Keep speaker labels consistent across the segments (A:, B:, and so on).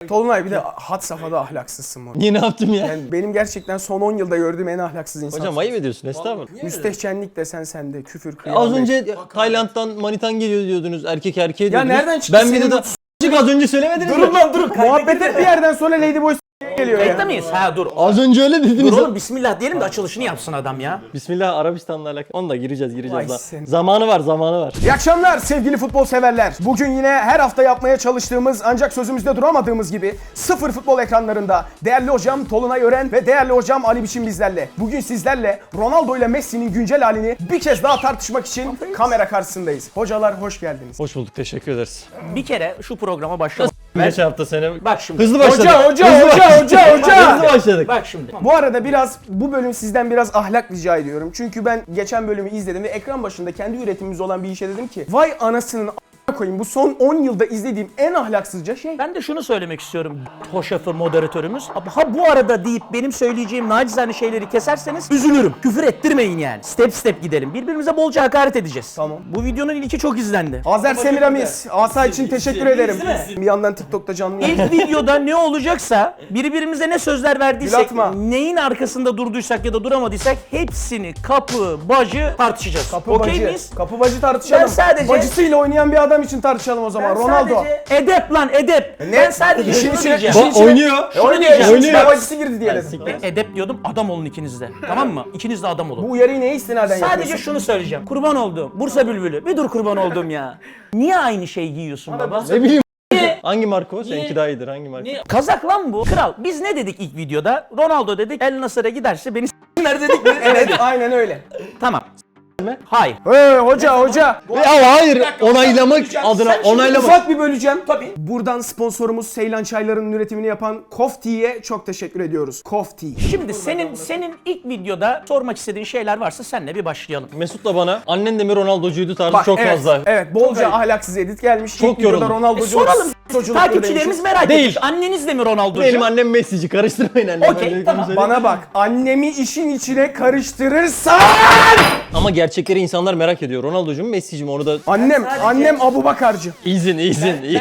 A: Tolunay bir de had safhada ahlaksızsın bu.
B: Niye, ne yaptım ya?
A: Yani benim gerçekten son 10 yılda gördüğüm en ahlaksız insan.
B: Hocam ayıp ediyorsun, estağfurullah.
A: Müstehcenlik desen sende, küfür, kıyamet.
B: Az önce Tayland'dan manitan geliyor diyordunuz, erkek erkeğe diyordunuz.
A: nereden çıktı
B: Ben
A: senin
B: videoda az önce söylemediniz mi?
A: Durun lan durun. Muhabbet et bir yerden sonra Ladyboy geliyor ya.
C: Kayıtta mıyız? Ha dur.
B: Az önce öyle dediniz.
C: Dur oğlum bismillah diyelim de açılışını yapsın adam ya.
B: Bismillah, Arabistan'la alakalı. Onu da gireceğiz
A: Vay
B: daha.
A: sen.
B: Zamanı var.
A: İyi akşamlar sevgili futbol severler. Bugün yine her hafta yapmaya çalıştığımız ancak sözümüzde duramadığımız gibi sıfır futbol ekranlarında değerli hocam Tolunay Ören ve değerli hocam Ali Biçim bizlerle. Bugün sizlerle Ronaldo ile Messi'nin güncel halini bir kez daha tartışmak için kamera karşısındayız. Hocalar hoş geldiniz.
B: Hoş bulduk, teşekkür ederiz.
C: Bir kere şu programa başlamak.
B: Geçen hafta sene
C: Bak şimdi.
B: hızlı başladık.
A: Hoca.
B: Hızlı başladık.
C: Bak şimdi.
A: Bu arada bu bölüm sizden biraz ahlak rica ediyorum. Çünkü ben geçen bölümü izledim ve ekran başında kendi üretimimiz olan bir işe dedim ki vay anasının a**ına koyayım bu son 10 yılda izlediğim en ahlaksızca şey.
C: Ben de şunu söylemek istiyorum hoşafı moderatörümüz. Ha bu arada deyip benim söyleyeceğim nacizane şeyleri keserseniz üzülürüm. Küfür ettirmeyin yani. Step step gidelim. Birbirimize bolca hakaret edeceğiz.
A: Tamam.
C: Bu videonun ilki çok izlendi.
A: Azer Semiramis, Asa için teşekkür ederim. Bir yandan TikTok'ta canlı yayın.
C: İlk videoda ne olacaksa birbirimize ne sözler verdiysek,
A: Gül atma.
C: neyin arkasında durduysak ya da duramadıysak hepsini kapı bacı tartışacağız. Okey miyiz?
A: Kapı bacı tartışalım.
C: Ben sadece-
A: Bacısıyla oynayan bir adam için tartışalım o zaman. Ronaldo.
C: Sadece edep lan edep. Ben sadece
A: İşin
C: şunu
A: içine-
C: diyeceğim.
B: Oynuyor.
C: Şunu
A: Oynuyor.
C: diyeceğim.
A: İşin içine bacısı girdi diye dedim.
C: Ben edep diyordum, adam olun ikiniz de. Tamam mı? İkiniz de adam olun.
A: Bu uyarıyı neye istinaden
C: Sadece
A: yapıyorsun?
C: şunu söyleyeceğim. Kurban oldum. Bursa bülbülü. Bir dur kurban oldum ya. Niye aynı şeyi giyiyorsun baba?
B: Ne bileyim. Hangi marka o? Seninki daha iyidir. Hangi marka?
C: Kazak lan bu. Kral. Biz ne dedik ilk videoda? Ronaldo dedik. El Nasır'a giderse beni s**ler dedik mi?
A: Evet aynen öyle.
C: Tamam. Hayır.
A: Hoca.
B: Ya hayır, onaylamak adına onaylamak.
A: Ufak bir böleceğim. Tabii. Buradan sponsorumuz Seylan Çayları'nın üretimini yapan Kofti'ye çok teşekkür ediyoruz. Kofti.
C: Şimdi senin ilk videoda sormak istediğin şeyler varsa senle bir başlayalım.
B: Mesut'la bana annen de mi Ronaldo'cuydu tarzı
A: Bak,
B: çok
A: evet,
B: fazla.
A: Evet, bolca ahlaksız edit gelmiş.
B: Çok
A: İlk videoda
B: yoruldum.
A: Ronaldo'cu
C: Soralım.
A: soculuk
C: Takipçilerimiz
A: demişiz.
C: merak
B: Değil.
C: etmiş. Anneniz de mi Ronaldo'cu?
B: Benim annem Messi'ci, karıştırmayın annemi.
C: Okey,
B: Ben
C: tamam.
B: söyleyeyim.
A: Bana bak, annemi işin içine karıştırırsan...
B: Ama gerçekleri insanlar merak ediyor. Ronaldo'cu mu Messi'ci mi, onu da...
A: Annem Abubakarcı.
B: İzin.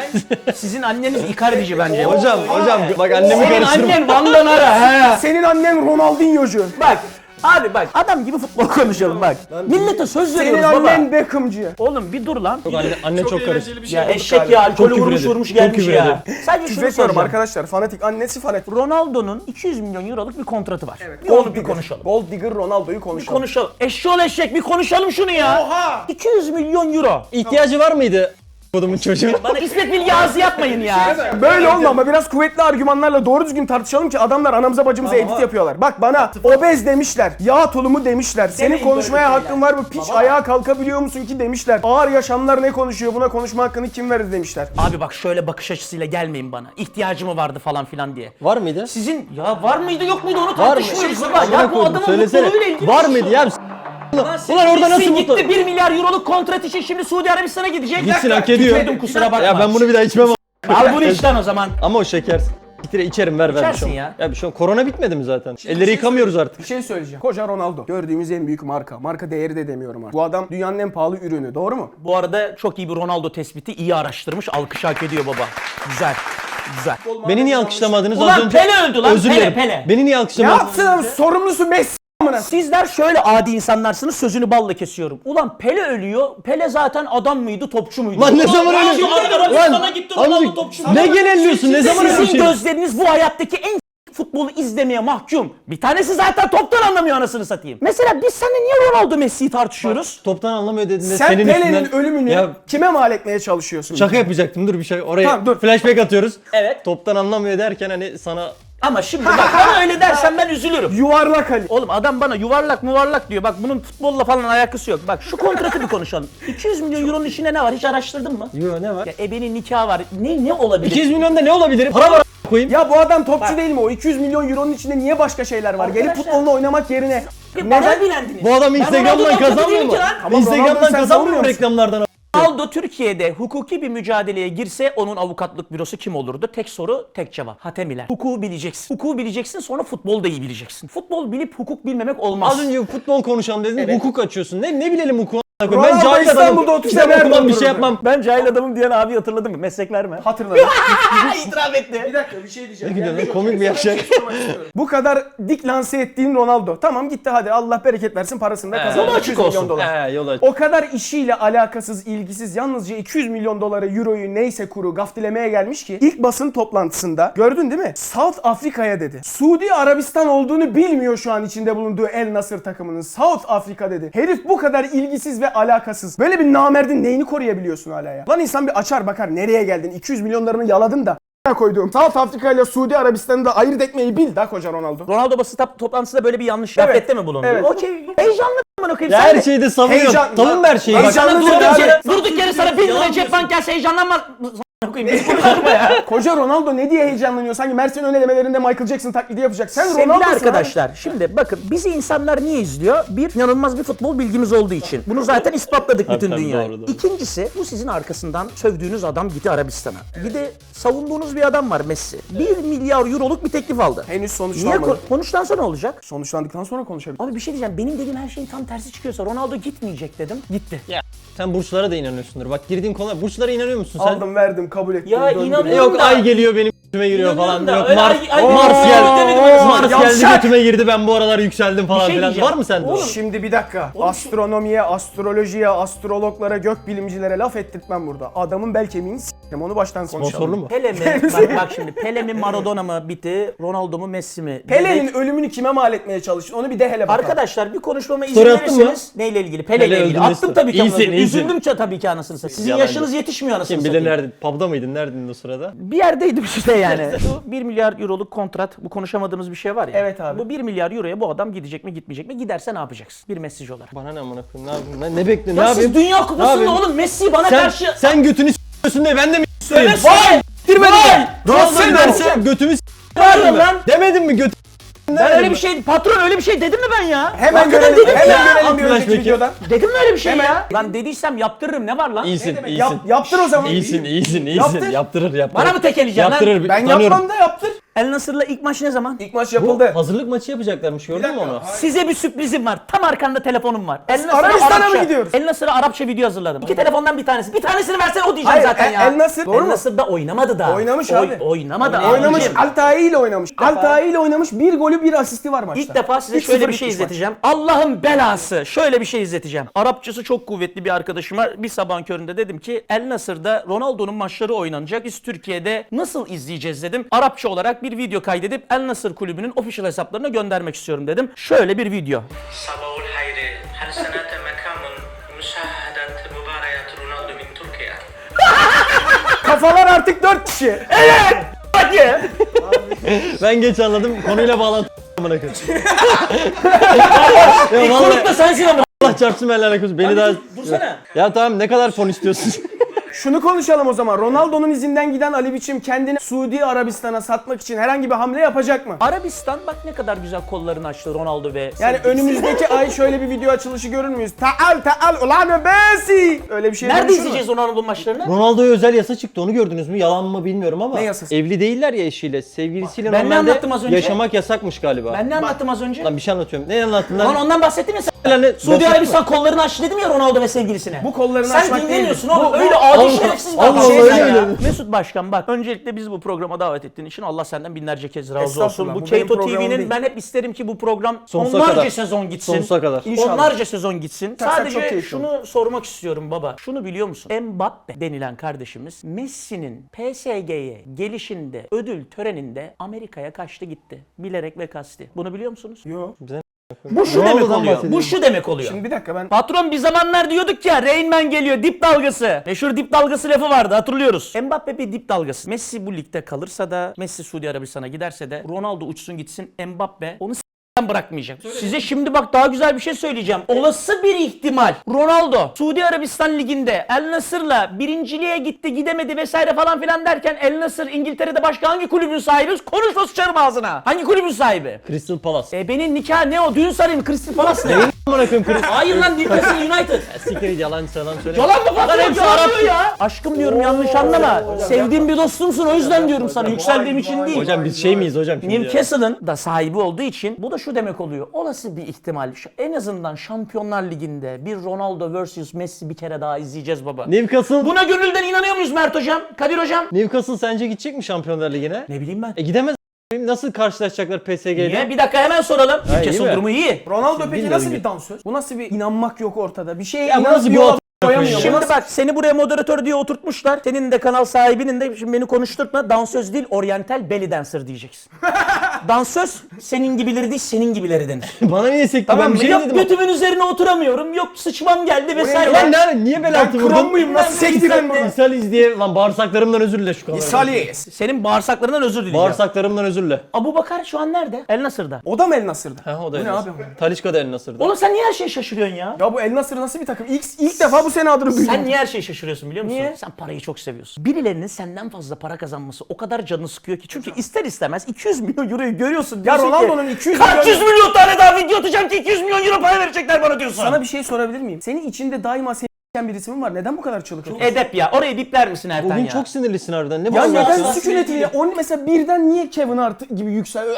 C: Sizin anneniz Icardi'ci bence.
B: Hocam bak annemi
C: Senin
B: karıştırma.
C: annen Van Ara he.
A: Senin annen Ronaldinho'cu.
C: Bak. Abi bak adam gibi futbol konuşalım bak. Millete söz
A: Senin
C: veriyoruz baba.
A: annen Beckham'cı.
C: Oğlum bir dur lan.
B: Anne çok karıştı.
C: Ya eşek ya alkolü
B: küfür
C: vurmuş
B: ediyor.
C: vurmuş
B: Çok
C: gelmiş
B: küfür
C: ya.
B: ediyor.
C: Sadece şunu
A: Küfür
C: soracağım.
A: arkadaşlar. Fanatik. Annesi fanatik.
C: Ronaldo'nun 200 milyon euroluk bir kontratı var. Bir onu bir konuşalım.
A: Gold Digger Ronaldo'yu
C: Bir
A: konuşalım.
C: konuşalım. Eşşoğlu eşek bir konuşalım şunu ya.
A: Oha!
C: 200 milyon euro.
B: İhtiyacı var mıydı kodumun çocuğu?
C: Bana İsmet Bilge ağzı yapmayın ya.
A: Böyle olma ama biraz kuvvetli argümanlarla doğru düzgün tartışalım ki adamlar anamıza bacımıza edit yapıyorlar. Bak bana obez demişler, yağ tulumu demişler, senin
C: Demeyin
A: konuşmaya
C: böyle
A: hakkın var mı, piç ayağa kalkabiliyor musun ki demişler. Ağır yaşamlar ne konuşuyor, buna konuşma hakkını kim verir demişler.
C: Abi bak şöyle bakış açısıyla gelmeyin bana. İhtiyacı mı vardı falan filan diye.
B: Var mıydı?
C: Sizin ya var mıydı yok muydu onu
B: Var mı?
C: tartışmıyoruz baba. Ya bu
B: Koydum,
C: adamın
B: söylesene.
C: mutluluğuyla ilgili.
B: Var mıydı ya? Ulan orada nasıl mutlu?
C: gitti 1 milyar euroluk kontrat için şimdi Suudi Arabistan'a gidecek.
B: Gitsin, hak ediyor.
C: Gitmedim kusura bakma.
B: Ya ben bunu bir daha içmem.
C: Al bunu içten o zaman.
B: Ama o şeker. Gitire içerim, ver bir
C: İçersin
B: şey.
C: ya.
B: Ya bir şey. Korona bitmedi mi zaten? Elleri yıkamıyoruz artık.
A: Bir şey söyleyeceğim. Koca Ronaldo. Gördüğümüz en büyük marka. Marka değeri de demiyorum artık. Bu adam dünyanın en pahalı ürünü. Doğru mu?
C: Bu arada çok iyi bir Ronaldo tespiti. İyi araştırmış. Alkış hak ediyor baba. Güzel. Güzel.
B: Beni niye alkışlamadınız
C: Ulan
B: az önce?
C: Pele öldü lan,
B: Özür
C: Pele,
B: dilerim.
C: Pele.
B: Beni niye
A: Ne
B: alkışlamadınız?
A: yapsın? Sorumlusu Messi.
C: Sizler şöyle adi insanlarsınız, sözünü balla kesiyorum. Ulan Pele ölüyor. Pele zaten adam mıydı, topçu muydu?
B: Lan ne zaman öyle? Ne genelliyorsun? Ne zaman öyle bir
C: Sizin
B: şey?
C: gözleriniz bu hayattaki en futbolu izlemeye mahkum. Bir tanesi zaten toptan anlamıyor anasını satayım. Mesela biz seninle niye Ronaldo Messi'yi tartışıyoruz?
B: Toptan anlamıyor dediğinde
A: Sen
B: senin
A: Pele'nin
B: üstünden...
A: ölümünü
B: Ya
A: kime mal etmeye çalışıyorsun?
B: şaka yapacaktım, dur bir şey. Oraya
A: Tamam, dur.
B: flashback atıyoruz.
C: Evet.
B: Toptan anlamıyor derken hani sana...
C: Ama şimdi bak bana öyle dersen ben üzülürüm.
A: Yuvarlak Ali.
C: Oğlum adam bana yuvarlak muvarlak diyor. Bak bunun futbolla falan alakası yok. Bak şu kontratı bir konuşalım. 200 milyon euronun içinde ne var? Hiç araştırdın mı?
B: Yo, ne var?
C: Ya ebenin nikahı var. Ne olabilir?
B: 200 milyonda ne olabilir? Para var koyayım.
A: Ya bu adam topçu değil mi? O 200 milyon euronun içinde niye başka şeyler var? Gelip
C: Arkadaşlar-
A: futbolunu oynamak yerine
C: Bana bilendiniz.
B: Bu adam
C: Ben
B: Instagram'dan
C: Ronaldo'dan
B: kazanmıyor
C: değilim
B: mu?
C: ki lan.
A: Ama Ronaldo'yu
B: Instagram'dan
A: sen
B: kazanmıyor mu
A: savunmuyor musun?
B: reklamlardan?
C: Ronaldo Türkiye'de hukuki bir mücadeleye girse onun avukatlık bürosu kim olurdu? Tek soru, tek cevap. Hatemiler. Hukuku bileceksin. Hukuku bileceksin, sonra futbolu da iyi bileceksin. Futbol bilip hukuk bilmemek olmaz.
B: Az önce futbol konuşalım dedin,
C: Evet.
B: hukuk açıyorsun. Ne bilelim hukuku? Ben
A: Ronaldo
B: cahil
A: İstanbul'da
B: adamım.
A: 30
B: Kitap
A: sene
B: okumam bir
A: oturdu.
B: şey yapmam.
C: Ben cahil adamım diyen abi hatırladın mı? Meslek verme.
A: Hatırladım.
C: İtiraf etti.
A: Bir dakika bir şey diyeceğim.
B: Ne gidiyorsun? Komik bir yaşak.
A: Bu kadar dik lanse ettiğin Ronaldo. Tamam gitti hadi Allah bereket versin parasını da kazandı.
C: Yolu
A: 200
C: açık
A: milyon
C: olsun.
A: dolar.
B: Yol aç.
A: O kadar işiyle alakasız, ilgisiz, yalnızca 200 milyon doları, euroyu neyse kuru gaftilemeye gelmiş ki ilk basın toplantısında gördün değil mi? South Afrika'ya dedi. Suudi Arabistan olduğunu bilmiyor şu an içinde bulunduğu El Nasır takımının. South Afrika dedi. Herif bu kadar ilgisiz ve alakasız. Böyle bir namerdin neyini koruyabiliyorsun hala ya? Lan insan bir açar bakar nereye geldin? 200 milyonlarını yaladın da koyduğum South Afrika ile Suudi Arabistan'ı da ayırt etmeyi bil da koca Ronaldo.
C: Ronaldo basın toplantısında böyle bir yanlış
A: Evet.
C: gaflette mi bulundu?
A: Evet.
C: Okey. Heyecanlı mı okuyayım?
B: Ya her şeyde savunuyor.
A: Heyecan-
B: Savunma her şeyi.
A: Heyecanlı
B: Bak,
A: değil
C: Durduk
A: abi.
C: yere, durduk yere sana 1000 lira cep bank gelse heyecanlanmaz. Okuyayım. Beni konuşturma ya.
A: Koca Ronaldo ne diye heyecanlanıyor? Sanki Mersin ön elemelerinde Michael Jackson taklidi yapacak. Sen
C: Sevgili
A: Ronaldo'sun
C: arkadaşlar, şimdi bakın bizi insanlar niye izliyor? Bir, inanılmaz bir futbol bilgimiz olduğu için. Bunu zaten ispatladık bütün
B: tabii,
C: dünyaya.
B: doğru.
C: İkincisi, bu sizin arkasından sövdüğünüz adam gitti Arabistan'a. Bir de savunduğunuz bir adam var Messi. 1 milyar euroluk bir teklif aldı.
A: Henüz
C: Niye
A: sonuçlanmadı.
C: konuşlansa ne olacak?
A: Sonuçlandıktan sonra konuşabiliriz.
C: Abi bir şey diyeceğim, benim dediğim her şeyin tam tersi çıkıyorsa Ronaldo gitmeyecek dedim. Gitti.
B: Sen burçlara da inanıyorsundur. Bak girdiğin konular. Burçlara inanıyor musun sen?
A: Aldım verdim kabul ettim.
C: Ya
A: döndüm.
C: inanıyorum.
B: Yok
C: da.
B: ay geliyor benim götüme giriyor
C: İnanıyorum
B: falan.
C: da,
B: Yok
C: öyle
B: Mars,
C: ay-
B: Mars geldi. Mars geldi
A: Yavşak!
B: götüme girdi ben bu aralar yükseldim falan
C: şey
B: filan.
C: diyeceğim.
B: Var mı sende o?
A: Şimdi bir dakika. Astronomiye, astrolojiye, astrologlara, gökbilimcilere laf ettirtmem burada. Adamın bel kemiğini s**tim. Onu baştan konuşalım.
B: Sponsorlu mu?
C: Pele mi? bak şimdi Pele mi Maradona mı bitti? Ronaldo mu Messi mi?
A: Pele'nin
C: Dedik.
A: ölümünü kime mal etmeye çalıştın? Onu bir de hele bakalım.
C: Arkadaşlar bir konuşmama izin
B: Story attın mı?
C: verirseniz neyle ilgili? Pele ile
B: Pele
C: ilgili.
B: öldüğünde
C: Attım
B: story.
C: tabii ki.
B: İyisin,
C: anasını.
B: iyisin.
C: Üzüldüm tabii ki anasını satayım. Sizin
B: Yalancı.
C: yaşınız yetişmiyor anasını
B: Kim bilir
C: satayım.
B: nerede? Pub'da mıydın? Neredeydin o sırada?
C: Bir yerdeydim işte yani. Bu 1 milyar euroluk kontrat, bu konuşamadığımız bir şey var ya.
A: Evet abi.
C: Bu 1 milyar euroya bu adam gidecek mi gitmeyecek mi? Giderse ne yapacaksın? Bir mesaj olarak.
B: Bana ne amına koyayım? Ne yapayım? Ne bekliyorsun? Ne
C: Ya
B: yapayım?
C: siz Dünya
B: Ne
C: Kupası'nda
B: yapayım?
C: oğlum Messi bana
B: Sen,
C: karşı...
B: sen götünü s**yorsun diye ben de mi s**yorayım?
C: Vay!
B: Vay!
A: Ronaldo
B: Sen
A: derse
B: derse götümü
C: Ne yapıyorsun
B: s**yorsun
C: lan?
B: Demedin mi götü?
C: Ben öyle bir şey, patron öyle bir şey dedim mi ben ya?
A: hemen
C: Hakikaten
A: görelim,
C: dedim
A: hemen
C: ya.
A: görelim bir önceki
B: Flashback'i.
A: videodan.
C: Dedim mi öyle bir şey
A: Hemen.
C: ya? Lan dediysem yaptırırım, ne var lan?
B: İyisin,
A: demek?
B: iyisin.
A: Yaptır o zaman.
B: İyisin.
A: Yaptır.
B: Yaptırır.
C: Bana mı tekeleyeceksin lan?
B: Yaptırır.
A: Ben
B: tanıyorum.
A: yapmam da yaptır.
C: El Nasır'la ilk maç ne zaman?
A: İlk maç
B: Bu
A: yapıldı.
B: hazırlık maçı yapacaklarmış gördün mü onu?
C: Size bir sürprizim var. Tam arkanda telefonum var. El Nasır'a
A: Arabistan'a mı
C: Arapça-
A: gidiyoruz?
C: El Nasır'a Arapça video hazırladım. İki telefondan bir tanesi. Bir tanesini versen o diyeceğim
A: Hayır,
C: zaten ya.
A: El Nasır, doğru
C: El
A: mu?
C: Nasır'da oynamadı da.
A: Oynamış abi.
C: Oynamadı abi.
A: Oynamış,
C: Abicim.
A: Altay ile oynamış.
C: defa-
A: Altay ile oynamış. Bir golü bir asisti var maçta.
C: İlk defa size
A: 3-0
C: şöyle bir şey
A: bitmiş maç.
C: izleteceğim. Allah'ın belası. Şöyle bir şey izleteceğim. Arapçası çok kuvvetli bir arkadaşıma bir sabahın köründe dedim ki El Nasır'da Ronaldo'nun maçları oynanacak. Biz Türkiye'de nasıl izleyeceğiz dedim. Arapça olarak bir video kaydedip El Nasır kulübünün official hesaplarına göndermek istiyorum dedim. Şöyle bir video.
D: صباح الخير هل سنأتي مكان مشاهدة مباريات رونالدو من تركيا؟
A: Kafalar artık 4 kişi.
C: Hadi.
B: Ben geç anladım. Konuyla bağlantı amına koyayım. Ya
C: İlk
B: vallahi
C: konuk da sensin ama.
B: Allah çarpsın benimle alakası. Beni daha...
C: Dursana.
B: Ya tamam ne kadar fon istiyorsun?
A: Şunu konuşalım o zaman. Ronaldo'nun izinden giden Ali Biçim kendini Suudi Arabistan'a satmak için herhangi bir hamle yapacak mı?
C: Arabistan bak ne kadar güzel kollarını açtı Ronaldo ve
A: Yani
C: sevgilisi.
A: önümüzdeki ay şöyle bir video açılışı görür müyüz? Taal ulan Messi. Öyle bir şey
C: Nerede
A: dönüşür mü?
C: izleyeceğiz Ronaldo maçlarını?
B: Ronaldo'ya özel yasa çıktı onu gördünüz mü? Yalan mı bilmiyorum ama.
A: Ne yasası?
B: Evli değiller ya eşiyle. Sevgilisiyle
C: Ben ne
B: normalde
C: anlattım az önce?
B: yaşamak yasakmış galiba.
C: Ben ne anlattım az önce?
B: Lan bir şey anlatıyorum. Ne anlattın
C: Lan
B: lan?
C: ondan bahsettin mi sen?
B: Lan ne-
C: Suudi
B: bahsetme.
C: Arabistan kollarını açtı dedim ya Ronaldo ve sevgilisine.
A: Bu kollarını
C: Sen
A: açmak
C: dinlemiyorsun
A: değil.
C: oğlum.
A: Bu-
C: Öyle
A: bu-
C: adi
B: Allah-
C: şerefsiz bir
B: Allah
C: adam.
B: Allah,
C: Şey
B: öyle
C: ya.
B: mi?
C: Mesut Başkan bak öncelikle bizi bu programa davet ettiğin için Allah senden binlerce kez razı olsun.
A: Estağfurullah,
C: Bu
A: bu benim
C: Keto
A: programım
C: TV'nin
A: değil.
C: ben hep isterim ki bu program
B: Sonsuza
C: onlarca
B: kadar.
C: sezon gitsin.
B: Sonsuza kadar.
A: İnşallah.
C: Onlarca sezon gitsin.
A: Çok
C: Sadece
A: keyifli
C: şunu sormak istiyorum baba. Şunu biliyor musun? Mbappe denilen kardeşimiz Messi'nin PSG'ye gelişinde ödül töreninde Amerika'ya kaçtı gitti. Bilerek ve kasti. Bunu biliyor musunuz?
A: Yo.
C: Bu şu
B: Ronaldo'dan
C: demek oluyor.
B: bahsediyorum.
C: Bu şu demek oluyor.
A: Şimdi bir dakika ben
C: Patron bir zamanlar diyorduk ya Rain Man geliyor dip dalgası. Meşhur dip dalgası lafı vardı hatırlıyoruz. Mbappe bir dip dalgası. Messi bu ligde kalırsa da Messi Suudi Arabistan'a giderse de Ronaldo uçsun gitsin Mbappe onu bırakmayacak. Size şimdi bak daha güzel bir şey söyleyeceğim. Olası bir ihtimal Ronaldo Suudi Arabistan liginde El Nasır'la birinciliğe gitti gidemedi vesaire falan filan derken El Nasır İngiltere'de başka hangi kulübün sahibi? Konuşma sıçarım ağzına. Hangi kulübün sahibi?
B: Crystal Palace.
C: Benim nikah ne o? Düğün sarayım Crystal Palace ne?
B: Amına koyayım Crystal.
C: Hayır lan Newcastle United.
B: Siktir yalan söyle.
C: Yalan mı patron?
B: hepsi
C: Yalan
B: Arap.
C: diyor ya. Aşkım diyorum yanlış anlama. Sevdiğim bir dostumsun o yüzden diyorum sana. Yükseldiğim için değil.
B: Hocam biz şey miyiz hocam şimdi ya?
C: Newcastle'ın da sahibi olduğu için bu da şu şu demek oluyor. Olası bir ihtimal. En azından Şampiyonlar Ligi'nde bir Ronaldo vs Messi bir kere daha izleyeceğiz baba.
B: Newcastle,
C: Buna gönülden inanıyor muyuz Mert hocam? Kadir hocam?
B: Newcastle sence gidecek mi Şampiyonlar Ligi'ne?
C: Ne bileyim ben.
B: Gidemez. Nasıl karşılaşacaklar PSG ile?
C: Niye? Bir dakika hemen soralım.
B: iyi
C: Newcastle
B: mi?
C: durumu iyi.
A: Ronaldo peki
B: bilmiyorum
A: nasıl
B: ya.
A: bir dansöz? Bu nasıl bir inanmak yok ortada? Bir şeye
B: Ya bu
A: inanıp
B: nasıl
A: bir
B: bir
A: yola
B: ot-
A: koyamıyor.
B: Şimdi
A: Bu
C: Şimdi
A: nasıl-
C: bak seni buraya moderatör diye oturtmuşlar. Senin de kanal sahibinin de şimdi beni konuşturtma. Dansöz değil, Oriental belly dancer diyeceksin. Dansöz senin gibileri değil, senin gibileri denir.
B: Bana niye sekti?
A: Tamam
B: Ben bir
A: mı?
B: şey
C: Yok
B: dedim.
C: götümün üzerine oturamıyorum. Yok sıçmam geldi vesaire.
B: Lan niye bel altı
A: Ben
B: vurdun?
A: krom muyum? Nasıl sektiren bunu?
B: İshaliz diye lan bağırsaklarımdan özür dile şu kadar.
A: İsali.
C: Senin bağırsaklarından özür dileyeceğim.
B: Bağırsaklarımdan özür dile.
C: Abu Bakar şu an nerede? El Nasır'da.
A: O da mı El Nasır'da?
B: Ha o da
A: Bu
B: El
A: ne
B: Nasır.
A: abi?
B: Talisca da El Nasır'da.
C: Oğlum sen niye her şeye şaşırıyorsun ya?
A: Ya bu El Nasır nasıl bir takım? İlk defa bu sene adını duydum.
C: Sen niye her şeye şaşırıyorsun biliyor musun?
A: Niye?
C: Sen parayı çok seviyorsun. Birilerinin senden fazla para kazanması o kadar canını sıkıyor ki. Çünkü ister istemez 200 milyon euroyu görüyorsun.
A: Ya
C: diyorsun ki,
A: Ronaldo'nun 200
C: kaç
A: milyon...
C: yüz milyon tane daha video atacağım ki 200 milyon euro para verecekler bana diyorsun.
A: Sana bir şey sorabilir miyim? Senin içinde daima seni birisi mi var? Neden bu kadar çığlık atıyorsun?
C: Edep ya. Orayı bipler misin Ertan
B: Bugün
C: ya?
B: çok sinirlisin harbiden. Ne
A: Ya
B: bağırıyorsun?
A: neden sükunetli? Onun mesela birden niye Kevin Hart gibi yükseliyor?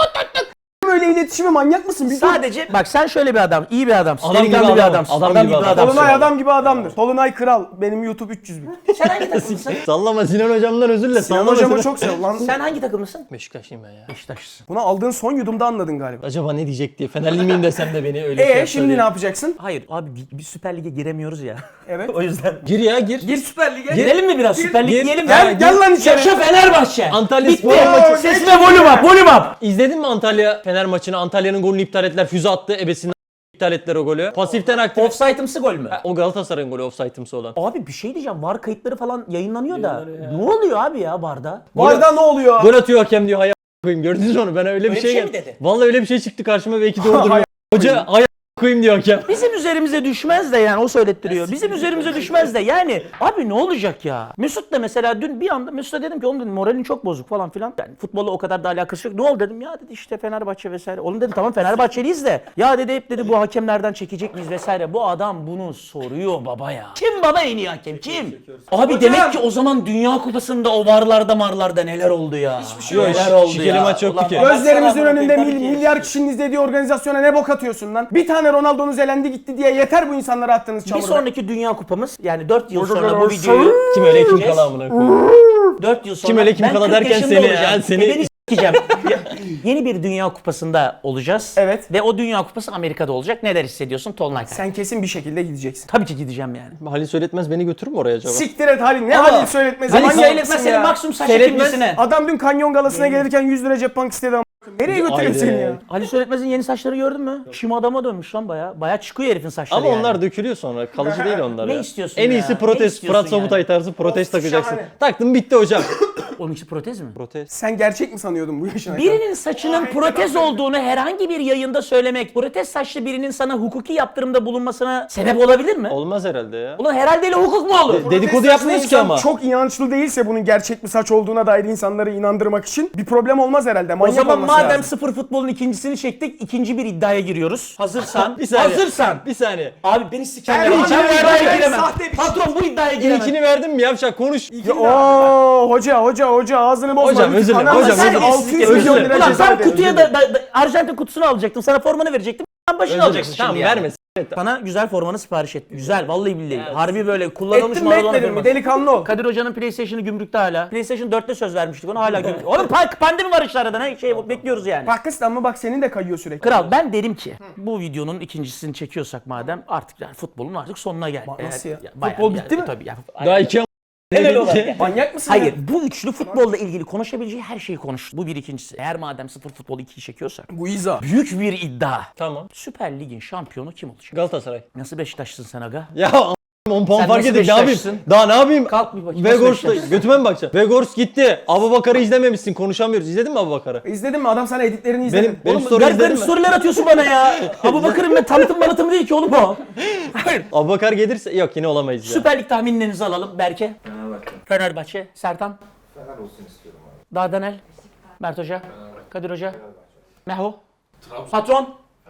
A: Böyle iletişimi manyak mısın? Bir dur.
C: Sadece bak sen şöyle bir adam, iyi bir adamsın.
B: Adam gibi
C: delikanlı bir
B: adam,
C: adamsın.
B: adam gibi adam.
A: Tolunay adam gibi adamdır. Tolunay kral. Benim YouTube 300 bin.
C: Sen hangi takımlısın?
B: Sallama Sinan hocamdan özür dile.
A: Sinan
B: Sallama
A: hocamı
B: Sinan.
A: çok sev lan.
C: Sen hangi takımlısın?
B: Beşiktaşlıyım ben ya.
C: Beşiktaşlısın.
A: Bunu aldığın son yudumda anladın galiba.
B: Acaba ne diyecek diye. Fenerli miyim desem de beni öyle şey yapsa
A: Şimdi
B: diye.
A: ne yapacaksın?
C: Hayır abi bir Süper Lig'e giremiyoruz ya.
A: Evet.
C: O yüzden.
B: Gir ya gir.
A: Gir Süper Lig'e.
C: Girelim mi biraz? Süper Lig
B: gir.
C: diyelim mi?
A: Gel lan içeri.
C: Yaşa Fenerbahçe.
B: Antalya
C: Bitti.
B: Spor maçı.
C: Ses ve volüm up, volüm up.
B: İzledin mi Antalya Fener maçını? Antalya'nın golünü iptal ettiler. Füze attı. Ebesinden iptal ettiler o golü. Pasiften aktif.
C: Offside'ımsı gol mü?
B: O Galatasaray'ın golü offside'ımsı olan.
C: Abi bir şey diyeceğim. VAR kayıtları falan yayınlanıyor da. Ne oluyor abi ya VAR'da?
A: Barda ne oluyor?
B: Gol atıyor hakem diyor. Hay koyayım. Gördünüz mü onu? Ben öyle bir
C: bir
B: şey
C: şey mi
B: geldi.
C: dedi?
B: Vallahi öyle bir şey çıktı karşıma belki doğrudur. Hoca hay koyayım diyor hakem.
C: Bizim üzerimize düşmez de yani o söylettiriyor. Bizim üzerimize düşmez de yani abi ne olacak ya? Mesut da mesela dün bir anda Mesut'a dedim ki oğlum dedim moralin çok bozuk falan filan. Yani futbolla o kadar da alakası yok. Ne oldu dedim ya dedi işte Fenerbahçe vesaire. Oğlum dedim tamam Fenerbahçeliyiz de ya dedi hep dedi bu hakemlerden çekecek miyiz vesaire. Bu adam bunu soruyor baba ya. Kim baba en iyi hakem kim? Abi demek ki o zaman Dünya Kupası'nda o varlarda marlarda neler oldu ya? Hiçbir
B: şey yok.
C: Neler oldu
B: Şikeli
C: ya?
B: maç yoktu
C: Ulan
B: ki.
C: bak
A: Gözlerimizin
C: sana
A: önünde
C: bakayım, tabii ki.
A: milyar kişinin izlediği organizasyona ne bok atıyorsun lan? Bir tane Ronaldo'nuz elendi gitti diye yeter bu insanlara attığınız
C: Bir
A: çamurda.
C: sonraki Dünya Kupamız yani 4 yıl sonra bu videoyu
B: Kim öyle kim kala amına koyayım.
C: 4 yıl sonra
B: Kim öyle kim
C: ben
B: kala
C: 40
B: derken
C: yaşında
B: seni,
C: olacağım.
B: yani seni-
C: Ebeni s**eceğim. Yeni bir Dünya Kupası'nda olacağız.
A: Evet.
C: Ve o Dünya Kupası Amerika'da olacak. Neler hissediyorsun Tolunay?
A: Sen kesin bir şekilde gideceksin.
C: Tabii ki gideceğim yani.
B: Halil Söyletmez beni götürür mü oraya acaba?
A: Siktir et Halil. Ne
C: Ama-
A: Halil söyletmezi?
C: Halil
A: Manyak
C: Söyletmez
A: mısın
C: senin
A: ya?
C: maksimum saç
B: Seyretmez.
C: ekilmesine.
A: Adam dün kanyon galasına gelirken 100 lira cep bank istedi ama. Nereye götürüyor
B: Haydi.
A: seni ya?
C: Ali Söyletmez'in yeni saçları gördün mü? Şim adama dönmüş lan baya. Baya çıkıyor herifin saçları
B: Ama
C: yani.
B: onlar dökülüyor sonra. Kalıcı değil onlar
C: Ne
B: ya.
C: istiyorsun
B: En
C: ya?
B: iyisi
C: Ne
B: protez.
C: istiyorsun
B: Fırat Sobutay
C: yani?
B: tarzı protez takacaksın.
A: şahane.
B: Taktım bitti hocam.
C: Onun için protez mi?
B: Protez.
A: Sen gerçek mi sanıyordun bu yaşına?
C: Birinin saçının protez olduğunu herhangi bir yayında söylemek, protez saçlı birinin sana hukuki yaptırımda bulunmasına sebep olabilir mi?
B: Olmaz herhalde ya.
C: Ulan herhalde öyle hukuk mu olur?
B: Dedikodu yapmıyoruz ki ama.
A: Çok inançlı değilse bunun gerçek bir saç olduğuna dair insanları inandırmak için bir problem olmaz herhalde.
C: O
A: Manyak
C: zaman
A: olması
C: madem
A: lazım.
C: sıfır futbolun ikincisini çektik, ikinci bir iddiaya giriyoruz. Hazırsan.
B: Bir saniye.
C: Hazırsan.
B: Bir saniye.
C: Abi beni sikerler.
A: Erman,
C: Ben bu
A: Erman,
C: iddiaya
A: Erman,
C: giremem.
A: sahte bir şey.
C: Patron bu iddiaya giremem.
B: İlkini verdim mi yavşak konuş.
A: Ya, ooo hoca ağzını bozma.
B: Hocam, özür dilerim,
A: Anam,
B: hocam,
A: sen
B: özür dilerim.
A: 600
B: Özür
A: milyon
B: dilerim.
A: lira
C: Ulan
A: ceza
C: ben
A: ödedin.
C: kutuya da Arjantin kutusunu alacaktım. Sana formanı verecektim. Sen başını alacaksın
B: Tamam
C: şimdi yani.
B: verme.
C: Sana güzel formanı sipariş ettim. Güzel vallahi billahi. Harbi böyle kullanılmış
A: Ettin mi
C: Maradona
A: etmedin mi?
C: forması.
A: Delikanlı ol.
C: Kadir Hoca'nın PlayStation'ı gümrükte hala. PlayStation 4'te söz vermiştik ona hala gümrükte. Oğlum pandemi var işte arada ne şey bekliyoruz yani.
A: Pakistan mı bak senin de kayıyor sürekli.
C: Kral ben derim ki bu videonun ikincisini çekiyorsak madem artık yani futbolun artık sonuna gel.
A: Nasıl ya?
C: Bayağı
A: Futbol
C: yani,
A: bitti mi?
C: Tabii ya.
B: Daha iki
C: Temel olarak.
A: Manyak mısın
C: Hayır
A: ya?
C: bu üçlü futbolla ilgili konuşabileceği her şeyi konuştu. Bu bir ikincisi. Eğer madem sıfır futbol 2'yi çekiyorsak.
A: Guiza.
C: Büyük bir iddia.
B: Tamam.
C: Süper Lig'in şampiyonu kim olacak?
B: Galatasaray.
C: Nasıl Beşiktaşlısın sen aga?
B: Ya 10 puan
C: Sen
B: fark
C: nasıl
B: edin ne yapayım?
C: Beşiktaşlısın?
B: Daha ne yapayım?
C: Kalk bir bakayım, nasıl
B: Vegors'ta
C: Beşiktaşlısın?
B: götüme mi bakacaksın? Vegors gitti. Abubakar'ı izlememişsin konuşamıyoruz. İzledin mi Abubakar'ı?
A: İzledin mi? Adam sana editlerini izledi.
B: Benim
C: Oğlum
B: story
C: garip
B: izledin
C: garip
B: mi?
C: sorular atıyorsun bana ya. Abu Bakır'ın ben tanıtım manıtım değil ki oğlum o. Hayır.
B: Abubakar gelirse yok yine olamayız ya.
C: Süper Lig tahminlerinizi alalım Berke.
E: Fenerbahçe.
C: Fenerbahçe. Sertan.
E: Fener olsun istiyorum abi.
C: Dardanel. Mert Hoca. Kadir Hoca. Meho. Patron.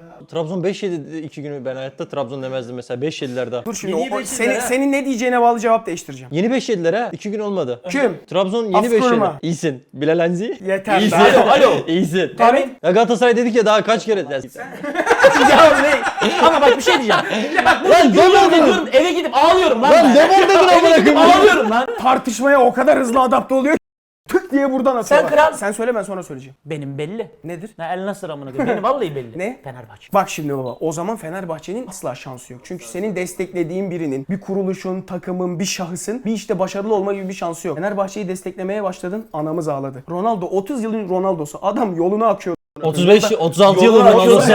B: Trabzon 5 yedi 2 günü, ben hayatta Trabzon demezdim mesela, 5 yediler daha.
A: Dur şimdi
C: Yeni beş
A: senin,
C: yediler ha.
A: senin ne diyeceğine bağlı cevap değiştireceğim.
B: Yeni 5 yediler ha, 2 gün olmadı.
A: Kim?
B: Trabzon yeni 5
A: Afkurma.
B: yedi. İyisin. Bilal Enzi.
A: Yeter.
B: İyisin.
C: Alo.
B: İyisin.
A: Tabii.
B: Ya Galatasaray dedik ya daha kaç kere.
C: Ya ne? Ama bak bir şey diyeceğim. Bak
B: Lan devam
C: diyorum, eve gidip ağlıyorum lan.
B: Lan
C: ben.
B: devam dedin amına
C: Eve gidip
B: koyayım.
C: ağlıyorum lan.
A: Tartışmaya o kadar hızlı adapte oluyor ki tık diye buradan atıyorlar.
C: kral.
A: Sen söyle, ben sonra söyleyeceğim.
C: Benim belli.
A: Nedir?
C: Ha, El Nasır amına koyayım. Benim vallahi belli.
A: Ne?
C: Fenerbahçe.
A: Bak şimdi baba, o zaman Fenerbahçe'nin asla şansı yok. Çünkü senin desteklediğin birinin, bir kuruluşun, takımın, bir şahısın bir işte başarılı olma gibi bir şansı yok. Fenerbahçe'yi desteklemeye başladın, anamız ağladı. Ronaldo 30 yılın Ronaldo'su. Adam yoluna akıyor.
B: 36 yılın Ronaldo'su.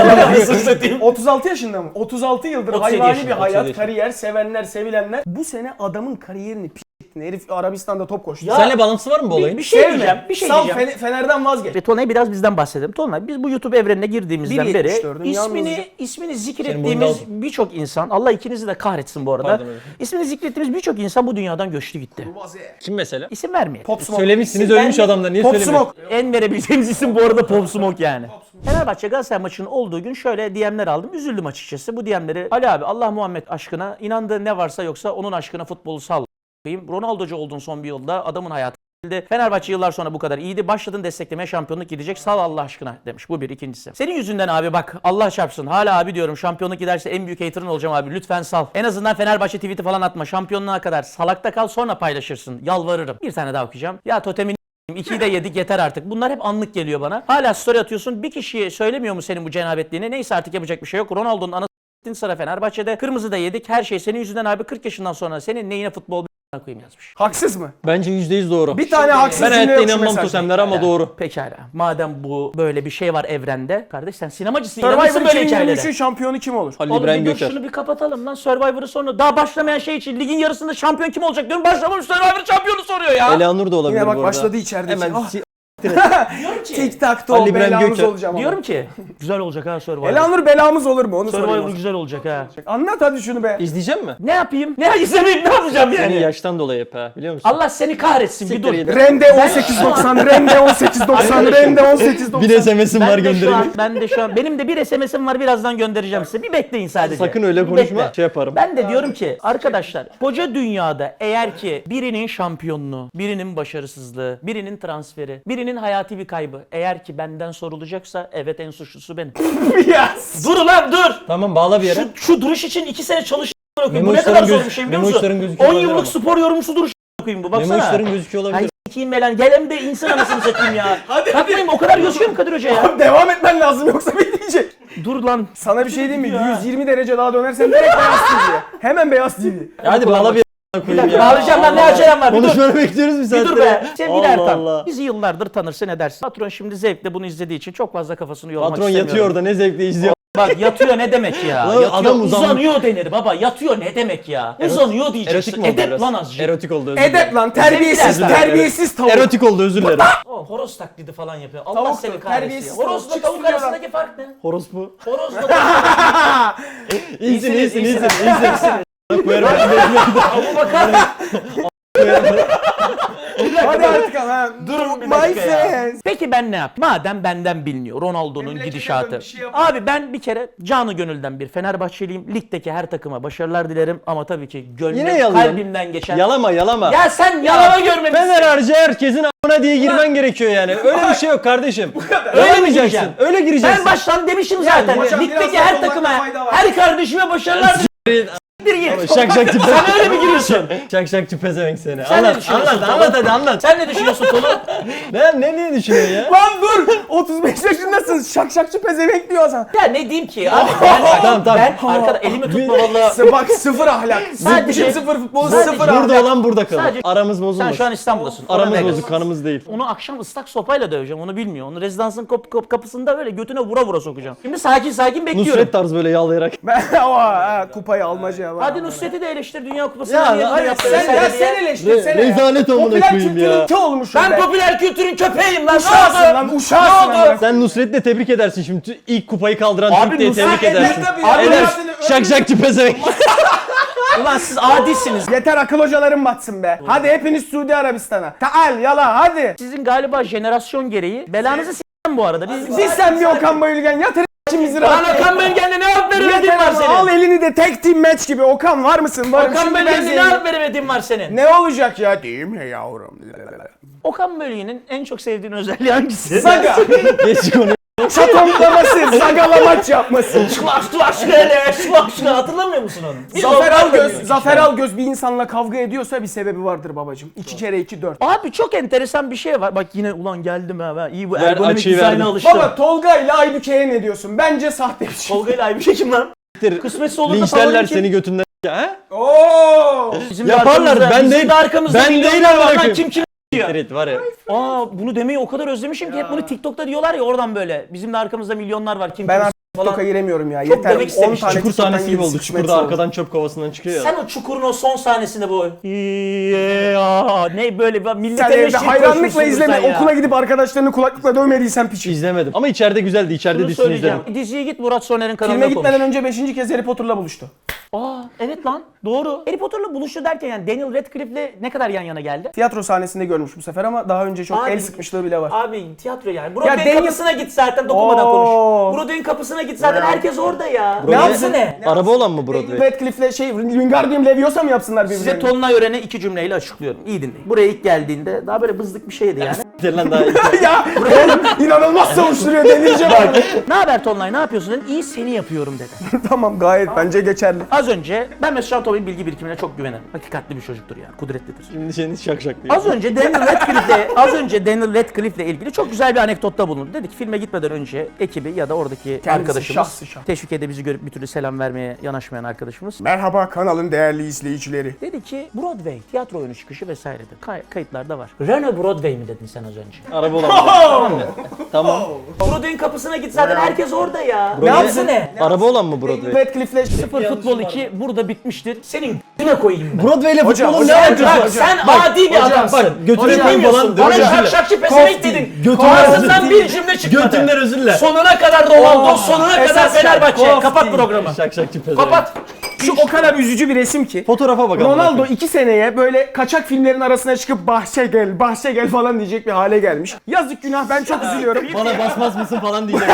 A: 36 yaşında mı? 36 yıldır
C: 37
A: hayvani
C: yaşında,
A: bir hayat,
B: 37
A: kariyer, sevenler, sevilenler. Bu sene adamın kariyerini p***tin. Herif Arabistan'da top koştu.
B: Seninle bağlantısı var mı bu olayın?
C: Bir şey
A: Sevme.
C: diyeceğim. Bir şey
A: Sal
C: diyeceğim.
A: Fener'den vazgeç.
C: Ve Tolunay biraz bizden bahsedelim. Tolunay biz bu YouTube evrenine girdiğimizden
A: 1.74'üm
C: beri
A: yalnızca.
C: ismini
B: boyunda
C: zikrettiğimiz
B: olsun.
C: birçok insan, Allah ikinizi de kahretsin bu arada.
B: Pardon hocam.
C: İsmini zikrettiğimiz birçok insan bu dünyadan göçtü gitti.
B: Kim mesela?
C: İsim vermeyelim.
A: Pop Smoke.
B: Söylemişsiniz, ölmüş adamlar. Niye
A: Pop
B: söylemiyorsun?
A: Smoke.
C: En verebileceğimiz isim bu arada Pop Smoke yani. Fenerbahçe Galatasaray maçının olduğu gün şöyle DM'ler aldım. Üzüldüm açıkçası. Bu DM'leri Ali abi Allah Muhammed aşkına, inandığı ne varsa yoksa onun aşkına futbolu sal. Ronaldo'cu oldun son bir yılda. Adamın hayatı. Fenerbahçe yıllar sonra bu kadar iyiydi. Başladın desteklemeye, şampiyonluk gidecek. Sal Allah aşkına demiş. Bu bir. İkincisi. Senin yüzünden abi bak Allah çarpsın. Hala abi diyorum. Şampiyonluk giderse en büyük hater'ın olacağım abi. Lütfen sal. En azından Fenerbahçe tweet'i falan atma. Şampiyonluğa kadar salakta kal, sonra paylaşırsın. Yalvarırım. Bir tane daha okuyacağım. Ya totemin 2'yi de yedik yeter artık. Bunlar hep anlık geliyor bana. Hala story atıyorsun. Bir kişiye söylemiyor mu senin bu cenabetliğini? Neyse artık yapacak bir şey yok. Ronaldo'nun anası sıra Fenerbahçe'de. Kırmızı da yedik. Her şey senin yüzünden abi. 40 yaşından sonra senin neyine futbol koyayım yazmış.
A: Haksız mı?
B: Bence %100 doğru.
A: Bir tane haksız
B: Ben
A: cümle
B: hayatta
A: yok şu
B: inanmam
A: mesajda.
B: totemlere ama doğru.
C: Pekala. Madem bu böyle bir şey var evrende. Kardeş sen sinemacısın. İnanırsın
A: Survivor
C: böyle hikayelere.
A: 2023'ün şampiyonu kim olur?
B: Ali
C: Oğlum
B: İbrahim
C: bir dur
B: Göker.
C: şunu bir kapatalım lan. Survivor'ı sonra daha başlamayan şey için ligin yarısında şampiyon kim olacak diyorum. Başlamamış Survivor şampiyonu soruyor ya.
B: Eleanur da olabilir
A: Yine bak
B: bu arada.
A: başladı içerideki.
B: Hemen
A: Ah.
B: si-
C: Diyorum ki.
A: Tic tac
B: Ali
A: toe
B: İbrahim
A: belamız
B: Göker.
A: olacağım ama.
C: Diyorum ki. Güzel olacak ha Survivor.
A: Elanur belamız olur mu? Onu
C: Survivor
A: sorayım.
C: güzel olacak ha.
A: Anlat hadi şunu be.
B: İzleyecek mi?
C: Ne yapayım? Ne izlemeyip ne yapacağım
B: Senin
C: yani?
B: yaştan dolayı hep ha, biliyor musun?
C: Allah seni kahretsin bir
B: Siktir
C: dur.
B: git.
A: Rende 1890, Rende 1890, Rende 1890.
B: Bir SMS'im var,
C: Ben de şu an,
B: gönderin.
C: ben de şu an, benim de bir SMS'im var, birazdan göndereceğim size. Bir bekleyin sadece.
B: Sakın öyle
C: Bir
B: konuşma,
C: bekle.
B: şey yaparım.
C: Ben de diyorum ki arkadaşlar, koca dünyada eğer ki birinin şampiyonluğu, birinin başarısızlığı, birinin transferi, birinin hayati bir kaybı eğer ki benden sorulacaksa evet en suçlusu benim.
A: Yes.
C: Dur ulan dur!
B: Tamam, bağla bir yere.
C: Şu duruş için 2 sene çalıştım. Bu
B: Memo
C: ne kadar
B: işlerin
C: zor
B: göz-
C: bir şey biliyor
B: Memo
C: musun?
B: işlerin gözüküyor
C: 10
B: olabilir
C: yıllık
B: ama.
C: spor yorumcusu duruş koyayım bu baksana.
B: Memo işlerin gözüküyor olabilir.
C: Hay s**eyim be lan. Gel hem de insan anasını satayım ya.
A: Hadi,
C: Bakmayayım o kadar gözüküyor mu Kadir Hoca ya?
A: Abi devam etmen lazım yoksa bitmeyecek.
C: Dur lan.
A: Sana bir şey diyeyim mi?
C: Ya.
A: 120 derece daha dönersen direkt beyaz TV'ye. Hemen beyaz TV.
B: Hadi bağla bir yere koyayım ya.
C: Bağlayacağım lan ne acelem var. Bir dur.
B: Konuşmanı bekliyoruz bir
C: Bir
B: saattir.
C: dur be. Sevgili
B: Allah
C: Ertan.
B: Allah.
C: Bizi yıllardır tanırsın edersin. Patron şimdi zevkle bunu izlediği için çok fazla kafasını yormak
B: Patron
C: istemiyorum.
B: yatıyor orada, ne zevkle izliyor.
C: Bak yatıyor ne demek ya?
B: Lan
C: Yatıyor,
B: adam
C: uzanıyor denir baba. Yatıyor ne demek ya? Uzanıyor diyeceksin.
B: Erotik mi oldu
C: Edep
B: biraz?
C: lan azıcık.
B: Erotik oldu, özür
A: Edep
B: dilerim.
A: lan, terbiyesiz,
C: Özür dilerim.
A: terbiyesiz tavuk.
B: Erotik oldu, özür dilerim.
C: O horoz taklidi falan yapıyor. Allah
A: Tavuk
C: seni
A: da,
C: kahretsin.
A: terbiyesiz
C: Horozla
A: tavuk.
C: tavuk
A: Çıksın
C: arasındaki fark ne?
B: Horospu.
C: Horozla tavuk.
B: İyisin, iyisin,
C: iyisiniz.
B: iyisin. Koyarım.
C: Abu Bakar.
A: Hadi artık ha.
C: Durun bir
A: My
C: dakika ya.
A: friends.
C: Peki ben ne yapayım? Madem benden biliniyor Ronaldo'nun
A: Memlekete
C: gidişatı.
A: dön, bir şey yap.
C: Abi ben bir kere canı gönülden bir Fenerbahçeliyim. Ligdeki her takıma başarılar dilerim ama tabii ki
B: Yine
C: gönlüm
B: yalıyorsun.
C: kalbimden geçen.
B: Yalama, yalama.
C: Ya sen yalama görmemişsin.
B: Fener harcı herkesin a**ına diye girmen gerekiyor yani. Öyle bir şey yok kardeşim.
C: Öyle mi
B: Öyle
C: gireceğim?
B: Öyle gireceksin.
C: Ben baştan demişim zaten.
A: hocam,
C: Ligdeki
A: biraz
C: her
A: daha
C: takıma,
A: olmakta fayda var.
C: her kardeşime başarılar dilerim. Git.
B: Şak şak tipe.
C: Sen öyle mi giriyorsun?
B: Şak şak tipezevenk seni.
C: Sen ne
B: Anlat,
C: düşünüyorsun
B: anlat,
C: Tolu?
B: anlat hadi anlat.
C: Sen ne düşünüyorsun Tolu?
B: Ne düşünüyorsun ya?
A: Lan dur! 35 yaşındasın. Şakşakçı pezevenk diyor Hasan.
C: Ya ne diyeyim ki abi ben,
B: Tamam, tamam.
C: ben arkada elimi tutma valla.
A: Bak sıfır ahlak.
C: Sadece-
A: Bizim sıfır futbolu
C: sadece-
A: sıfır
B: Burada
A: ahlak.
B: olan burada kalır.
C: Sadece-
B: Aramız
C: Sen
B: bozulmasın.
C: şu an İstanbul'dasın. Ona
B: Aramız
C: Vegas.
B: bozuk, kanımız değil.
C: Onu akşam ıslak sopayla döveceğim onu bilmiyor. Onu rezidansın kapısında böyle götüne vura vura sokacağım. Şimdi sakin sakin bekliyorum.
B: Nusret tarzı böyle yağlayarak.
A: Kupayı almaca.
C: Hadi Nusret'i de eleştir Dünya Kupası'nda
B: Ya,
C: niye
B: hayır,
C: böyle yaptı
A: Sen
C: vesaire
A: ya
C: diye.
A: sen eleştirsene.
B: Rezalet amına
A: Popüler
B: koyayım ya.
A: kültürün ki olmuşsun
C: Ben
A: be.
C: popüler kültürün köpeğim lan.
A: Uşağısın
C: Ne
A: lan
C: oldu?
A: uşağısın.
C: Ne oldu?
A: lan.
B: Sen Nusret'le tebrik edersin şimdi. İlk kupayı kaldıran
C: Abi
B: Türk diye
C: Nusret
B: tebrik
A: eder
B: edersin.
A: tabii.
C: Abi
B: Eder.
A: Nusret-
B: Şak şak tipezevenk.
C: Ulan siz adisiniz.
A: Yeter akıl hocalarım batsın be. Hadi hepiniz Suudi Arabistan'a. Taal yala hadi.
C: Sizin galiba jenerasyon gereği belanızı s**tim bu arada.
A: Biz sen bir Okan Bayülgen yatır İçimizi
C: Lan
A: rahat.
C: Okan Bölgen'de ne alıp veremediğin
A: Yeter
C: var
A: ama
C: senin?
A: al elini de tek team match gibi. Okan var mısın? Varım.
C: Okan
A: Şimdi ben
C: Bölgen'de ne
A: zengin.
C: alıp veremediğin var senin?
A: Ne olacak ya? Değil mi yavrum?
C: Okan Bölgen'in en çok sevdiğin özelliği hangisi?
A: Saga.
B: Geç konuyu.
A: Şatoklaması, sagalamaç yapması.
C: Şlak şöyle hatırlamıyor musun onu? Biz
A: Zafer
C: Okan
A: Algöz,
C: Bölgen'in
A: Zafer Algöz bir insanla kavga ediyorsa bir sebebi vardır babacım. 2 kere 2 4.
C: Abi çok enteresan bir şey var. Bak yine ulan geldim ha ben iyi bu
B: Ver,
C: ergonomik
B: açıyı
C: dizayna
B: verdim.
C: alıştım.
A: Baba Tolga ile Aybüke'ye ne diyorsun? Bence sahte bir şey.
C: Tolga ile Aybüke kim lan? Kısmetse olur da
B: Linçlerler
C: favorim kim?
B: seni götünden. Ha?
A: Oo!
C: Bizim de
B: Yaparlar,
C: arkamızda-
B: ben
C: bizim
B: değil.
C: de arkamızda
B: Ben
C: milyonlar
B: değil
C: var
B: amına
C: lan,
B: koyayım.
C: kim
B: Evet var ya.
C: bunu demeyi o kadar özlemişim ki hep bunu TikTok'ta diyorlar ya oradan böyle. Bizim de arkamızda milyonlar var kim
A: Ben
C: kim
A: artık
C: falan.
A: TikTok'a giremiyorum ya.
C: Çok
A: Yeter.
C: demek
A: 10
C: istemiş.
A: tane
B: Çukur
A: TikTok'tan
B: sahnesi gibi oldu.
A: yedi,
B: Çukurda
A: sıçmet
B: arkadan çöp kovasından çıkıyor ya.
C: Sen o çukurun o son sahnesinde bu ne böyle
A: Sen
C: millete
A: evde
C: meşhur
A: hayranlıkla
C: koşmuşsundur
A: izleme.
C: sen ya.
A: Okula gidip arkadaşlarını kulaklıkla dövmediysen piç.
B: İzlemedim. Ama içeride güzeldi. İçeride
C: Bunu
B: dizisini
C: söyleyeceğim.
B: izledim.
C: Diziye git Murat Soner'in kanalına
A: Filme
C: konuş.
A: gitmeden önce 5. kez Harry Potter'la buluştu.
C: Aa evet lan doğru. Harry Potter'la buluştu derken yani Daniel Radcliffe'le ne kadar yan yana geldi?
A: Tiyatro sahnesinde görmüş bu sefer ama daha önce çok
C: Abi-
A: el sıkmışlığı bile var.
C: Abi tiyatro yani. Broadway'in
A: Daniel-
C: kapısına git zaten dokunmadan
A: Oo.
C: konuş. Broadway'in kapısına git zaten herkes orada ya.
A: Ne yapsın?
C: ne?
B: Araba olan mı Broadway?
A: Radcliffe'le Wingardium Leviosa mı yapsınlar
C: Size
A: birbirlerini?
C: tonuna öğrene iki cümleyle açıklıyorum. İyi dinleyin. Buraya ilk geldiğinde daha böyle bızlık bir şeydi yani.
B: Lan daha iyi.
A: Ya oğlum inanılmaz savuşturuyor deneyeceğim.
C: Ne haber Tonlay ne yapıyorsun dedim. İyi seni yapıyorum dedi.
A: Tamam gayet bence geçerli.
C: Az önce ben Mesut Can Topal'in bilgi birikimine çok güvenirim. Hakikatli bir çocuktur yani. Kudretlidir.
B: Şimdi seni şak şak diyor.
C: Az önce Daniel Radcliffe'le ilgili çok güzel bir anekdotta bulundu. Dedi ki filme gitmeden önce ekibi ya da oradaki arkadaşımız
A: şahsı şah.
C: Teşvik'e bizi görüp bir türlü selam vermeye yanaşmayan arkadaşımız
A: Merhaba kanalın değerli izleyicileri.
C: dedi ki Broadway, tiyatro oyunu çıkışı vesaire dedi. Kayıtlarda var. Renault Broadway mi dedin sen az önce?
B: Araba olan mı? Tamam mı? Tamam.
C: Broadway'in kapısına git zaten herkes orada ya.
B: Broadway-
C: yapsın ne?
B: Araba olan mı Broadway?
A: Radcliffe'le...
C: Sıfır Futbol 2 burada bitmiştir. Senin g***ne koyayım ben.
B: Broadway ile
A: Hocam,
B: futbolun ne
A: hocam,
B: alakası
A: hocam,
B: var?
C: Bak sen
B: Bak,
C: adi bir adamsın.
B: bak, götüne
C: Hocam,
B: koyayım
C: bilmiyorsun.
B: falan.
C: Bana
B: Hocam,
C: şakşakçı pezevenk
A: Kofti.
C: dedin.
B: Götüne
C: Ağzından
B: özür
C: bir cümle çıkmadı.
B: Götünden özürle.
C: Sonuna kadar Ronaldo, sonuna kadar
A: esas
C: Fenerbahçe.
A: Kofti.
C: Kapat programı.
B: Şak şakçı pezevenk.
C: Kapat.
A: Şu o kadar üzücü bir resim ki.
B: Fotoğrafa bakalım.
A: Ronaldo 2 seneye böyle kaçak filmlerin arasına çıkıp bahçe gel falan diyecek bir hale gelmiş. Yazık günah ben çok üzülüyorum.
B: Bana basmaz mısın falan diyecek.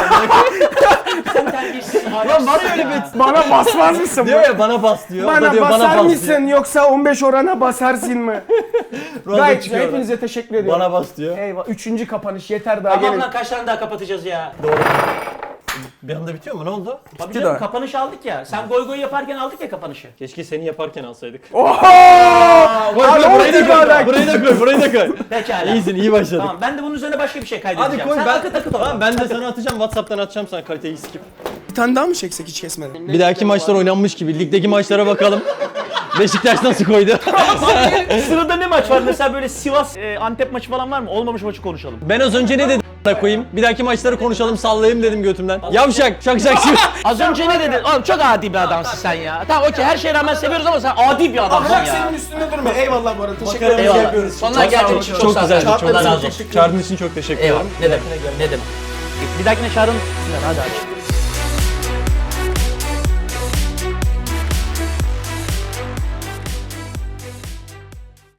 C: Lan var öyle bir...
A: Bana basmaz mısın?
B: Diyor ya bana bas diyor. O da
A: Bana
B: diyor
A: basar
B: bana bas
A: mısın
B: diyor.
A: yoksa 15 orana basarsın mı?
B: Ronaldo
A: Gayet güzel.
B: çıkıyor.
A: Hepinize teşekkür ediyorum.
B: Bana bas diyor.
A: Eyvah. 3. kapanış yeter daha
C: Tamam
A: gelin.
C: lan kaç tane daha kapatacağız ya?
B: Bir anda bitiyor mu? Ne oldu?
C: Tabii
A: daha.
C: canım kapanış aldık ya. Sen goy goy yaparken aldık ya kapanışı.
B: Keşke seni yaparken alsaydık.
A: Oho!
B: Koy,
A: Abi,
B: koy, burayı da koy.
A: orada-
B: Burayı da koy. Burayı da koy.
C: Pekala.
B: İyisin, iyi başladık.
C: Tamam ben de bunun üzerine başka bir şey kaydedeceğim.
B: Hadi koy
C: Sen
B: ben.
C: akıt akıt
B: Tamam
C: tamam,
B: ben de sana atacağım. WhatsApp'tan atacağım sana kaliteyi skip.
A: Bir tane daha mı çeksek hiç kesmeden?
B: Bir dahaki maçlar oynanmış gibi. Ligdeki maçlara bakalım. Beşiktaş nasıl koydu?
C: Sırada ne maç var? Mesela böyle Sivas Antep maçı falan var mı? Olmamış maçı konuşalım.
B: Ben az önce ne dedim a**ına koyayım? Bir dahaki maçları konuşalım sallayayım dedim götümden. Yavşak, şak şak şak.
C: Az önce ne dedin? Oğlum çok adi bir adamsın sen ya. Tamam okey her şeye rağmen seviyoruz ama sen adi bir adamsın
A: Bırak
C: ya.
A: senin üstünde durma. Eyvallah bu arada. Teşekkür
B: Bakarım.
A: ederim.
C: Eyvallah. Sonlar geldiğin için çok
B: Çok
C: sağ ol.
B: güzeldi, çok
C: Allah razı
B: güzeldi.
C: olsun.
B: Çağırdığın için çok teşekkür ederim.
C: Eyvallah. Ne demek? Ne demek? Bir dahakine çağırın. Hadi aç.